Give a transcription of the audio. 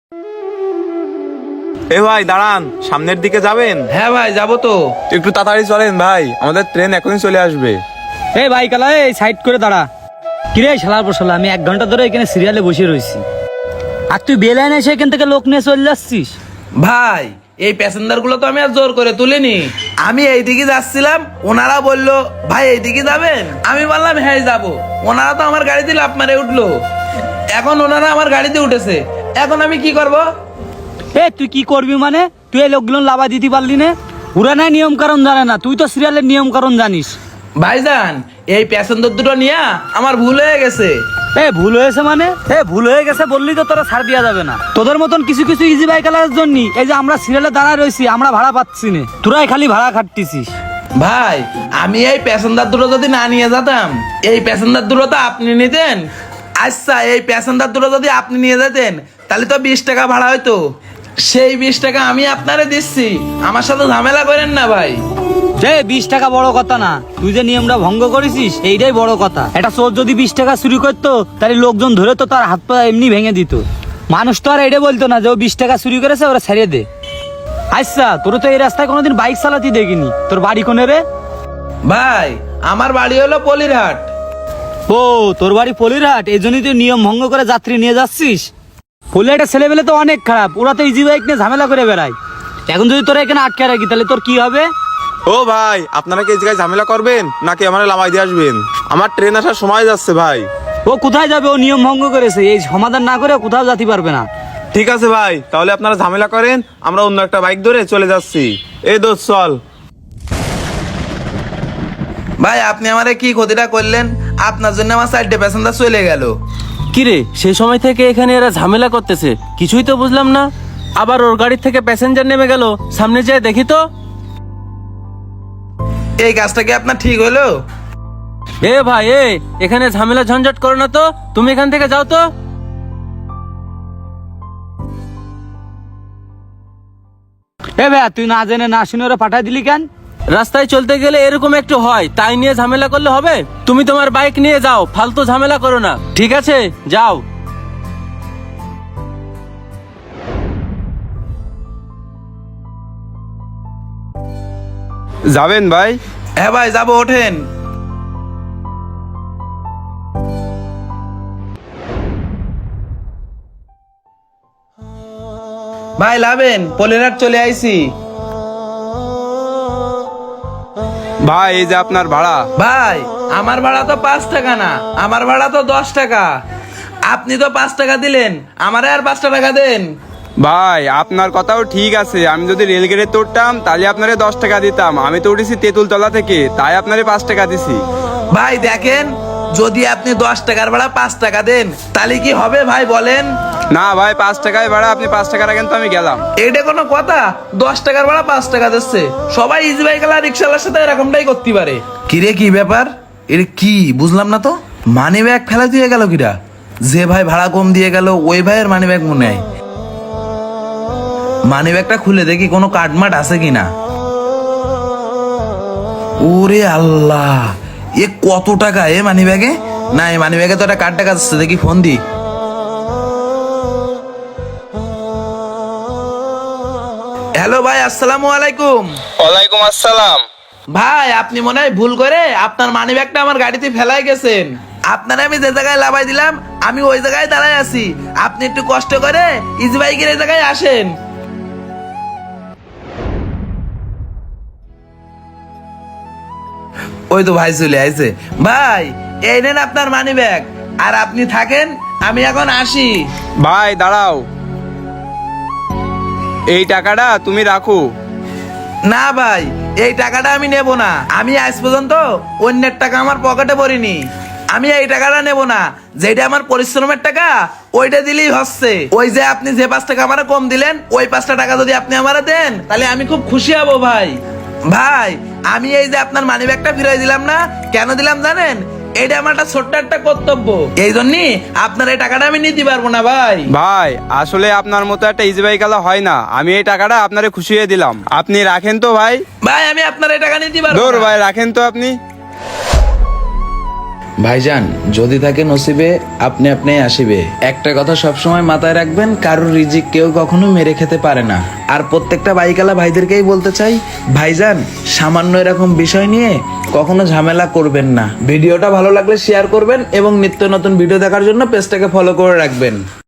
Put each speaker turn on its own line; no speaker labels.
এ ভাই দাঁড়ান, সামনের দিকে যাবেন?
হ্যাঁ ভাই যাবো তো।
একটু তাড়াতাড়ি চলেন ভাই, আমাদের ট্রেন এখনই চলে আসবে।
এই ভাই কালা, এই সাইড করে দাঁড়া। কিরে শালার পশলা, আমি 1 ঘন্টা ধরে এখানে সিরিয়ালে বসে রয়েছি, আর তুই বেলাইন এসে এখান থেকে লোক নিয়ে চলে যাচ্ছিস।
ভাই এই প্যাসেঞ্জার গুলো তো আমি আর জোর করে তুলিনি, আমি এইদিকে যাচ্ছিলাম, ওনারা বললো ভাই এইদিকে যাবেন, আমি বললাম হ্যাঁ যাবো। ওনারা তো আমার গাড়িতে লাফ মারে উঠলো, এখন ওনারা আমার গাড়িতে উঠেছে, এখন আমি কি করব?
এ তুই কি করবি মানে? তুই এই লোকগুলো লাভা দিতে পারলি না? ওরা নাই নিয়ম কারণ জানে না, তুই তো সিরিয়ালের নিয়ম কারণ জানিস।
ভাইজান এই প্যাসেঞ্জার দুটো নিয়ে আমার ভুল হয়ে গেছে।
ভুল হয়েছে মানে? ভুল হয়ে গেছে বললি তো তোরা ছাড় দেওয়া যাবে না। তোদের মতন কিছু কিছু ইজি বাইকালার জন্য এই যে আমরা সিরিয়ালে দাঁড়ায় রয়েছি, আমরা ভাড়া পাচ্ছি না, তোরাই খালি ভাড়া খাটতিছিস।
ভাই আমি এই প্যাসেঞ্জার দুটো যদি না নিয়ে যেতাম, এই প্যাসেঞ্জার দুটো তো আপনি নিতেন। আচ্ছা এই প্যাসেঞ্জার দুটো যদি আপনি নিয়ে যেতেন তাহলে তো 20 টাকা ভাড়া হইতো, সেই 20 টাকা আমি আপনারে দিচ্ছি, আমার সাথে ঝামেলা করেন না ভাই।
20 টাকা বড় কথা না, তুই যে নিয়মটা ভঙ্গ করেছিস এইটাই বড় কথা। একটা চোর যদি 20 টাকা চুরি করতো তাহলে লোকজন ধরে তো তার হাত পা এমনি ভেঙে দিত, মানুষ তো আর এটা বলতো না যে ও 20 টাকা চুরি করেছে, ওরা ছেড়ে দে। আচ্ছা তোর তো এই রাস্তায় কোনোদিন বাইক চালাতে দেখিনি, তোর বাড়ি কোনে রে?
ভাই আমার বাড়ি হলো পলিরহাট।
ও তোর বাড়ি পলিরহাট, এই জন্যই তুই নিয়ম ভঙ্গ করে যাত্রী নিয়ে যাচ্ছিস। পলিরহাটের ছেলেবেলে তো অনেক খারাপ, ওরা তো ইজি বাইক নিয়ে ঝামেলা করে বেড়ায়। এখন যদি তোরা এখানে আটকে রাখি তাহলে তোর কি হবে?
ও ভাই, আপনারা কি এই জায়গায় ঝামেলা করবেন নাকি আমার লামাই দিয়ে আসবেন? আমার ট্রেন আসার সময় যাচ্ছে ভাই।
ও কোথায় যাবে? ও নিয়ম ভঙ্গ করেছে, এই সমাধান না করে কোথাও যেতে পারবে না।
ঠিক আছে ভাই, তাহলে আপনারা ঝামেলা করেন, আমরা অন্য একটা বাইক ধরে চলে যাচ্ছি। এই দোস্ত চল।
ভাই আপনি আমারে কি ক্ষতিটা করলেন? আপনার জন্য আমার 4টে প্যাসেঞ্জার চলে গেল।
কিরে সেই সময় থেকে এখানে এরা ঝামেলা করতেছে, কিছুই তো বুঝলাম না। আবার ওর গাড়ির থেকে প্যাসেঞ্জার নেমে গেল, সামনে যেয়ে দেখি তো।
এই কাজটা কি আপনার ঠিক হলো?
এ ভাই এখানে ঝামেলা ঝঞ্ঝট করো না তো, তুমি এখান থেকে যাও তো।
ভাই তুই না জেনে না শুনে ওরা পাঠাই দিলি কেন?
রাস্তায় চলতে গেলে এরকম একটু হয়, তাই নিয়ে ঝামেলা করলে হবে? তুমি তোমার বাইক নিয়ে যাও, ফালতু ঝামেলা করো না, ঠিক আছে? যাও।
যাবেন ভাই?
হ্যাঁ ভাই যাবো, ওঠেন। ভাই লাভেন, পলিরহাট চলে আইছি।
ভাই এই যে আপনার ভাড়া।
ভাই আমার ভাড়া তো 5 টাকা না, আমার ভাড়া তো 10 টাকা। আপনি তো 5 টাকা দিলেন, আমারে আর 5 টাকা দেন।
ভাই আপনার কথাও ঠিক আছে, আমি যদি রেলগেটে উঠতাম তাহলে আপনারে 10 টাকা দিতাম, আমি তো উঠেছি তেঁতুলতলা থেকে, তাই আপনারে 5 টাকা দিছি।
ভাই দেখেন, যদি আপনি 10 টাকার ভাড়া 5 টাকা দেন তাহলে কি হবে ভাই বলেন?
না ভাই, 5 টাকায় ভাড়া, আপনি 5 টাকা রাখেন তো আমি গেলাম।
এটা কোনো কথা? 10 টাকার ভাড়া 5 টাকা দিচ্ছে, সবাই ইজি বাইকালা রিক্সাওয়ালার সাথে এরকমটাই করতে পারে। কিরে কি ব্যাপার? এটা কি বুঝলাম না তো। মানি ব্যাগ ফেলা দিয়ে গেল কিরা? যে ভাই ভাড়া কম দিয়ে গেল ওই ভাইয়ের মানি ব্যাগ মনে হয়। মানি ব্যাগটা খুলে দেখি কোনো কার্ডমার্ট আছে কিনা। ওরে আল্লাহ, এ কত টাকা এ মানি ব্যাগে? না এই মানি ব্যাগে তো একটা কার্ড টাকা আছে, দেখি ফোন দি। হ্যালো ভাই, আসসালামু আলাইকুম।
ওয়ালাইকুম আসসালাম।
ভাই আপনি মনে হয় ভুল করে আপনার মানি ব্যাগটা আমার গাড়িতে ফেলাই গেছেন। আপনারা আমি যে জায়গায় লাভাই দিলাম আমি ওই জায়গায় দাঁড়ায় আছি, আপনি একটু কষ্ট করে ইজি বাইকের এই জায়গায় আসেন। ওই তো ভাই চলে আইছে। ভাই এই নেন আপনার মানি ব্যাগ, আর আপনি থাকেন, আমি এখন আসি।
ভাই দাঁড়াও, এই টাকাটা তুমি রাখো।
না ভাই এই টাকাটা আমি নেব না, আমি আজ পর্যন্ত অন্যের টাকা আমার পকেটে ভরিনি, আমি এই টাকাটা নেব না। যেটা আমার পরিশ্রমের টাকা ওইটা দিলেই হচ্ছে। ওই যে আপনি যে 5 টাকা আমার কম দিলেন, ওই 5টা টাকা যদি আপনি আমারে দেন তাহলে আমি খুব খুশি হব ভাই। ভাই আমি এই যে আপনার মানি ব্যাগটা ফিরাই দিলাম না, কেন দিলাম জানেন? এটা আমার একটা ছোট্ট একটা কর্তব্য, এই জন্যই আপনার এই টাকাটা আমি নিতে পারবো না ভাই।
ভাই আসলে আপনার মতো একটা ইজি বাইকালা হয় না, আমি এই টাকাটা আপনারে খুশি হয়ে দিলাম, আপনি রাখেন তো ভাই।
ভাই আমি আপনার এই টাকা নিতে পারবো
দূর
না।
ভাই, রাখেন তো আপনি।
ভাইজান যদি থাকে নসিবে আপনি আপনি আসিবে, একটা কথা সবসময় মাথায় রাখবেন, কারোর রিজিক কেউ কখনো মেরে খেতে পারে না। আর প্রত্যেকটা বাইকালা ভাইদেরকেই বলতে চাই, ভাইজান সামান্য এরকম বিষয় নিয়ে কখনো ঝামেলা করবেন না। ভিডিওটা ভালো লাগলে শেয়ার করবেন এবং নিত্য নতুন ভিডিও দেখার জন্য পেজটাকে ফলো করে রাখবেন।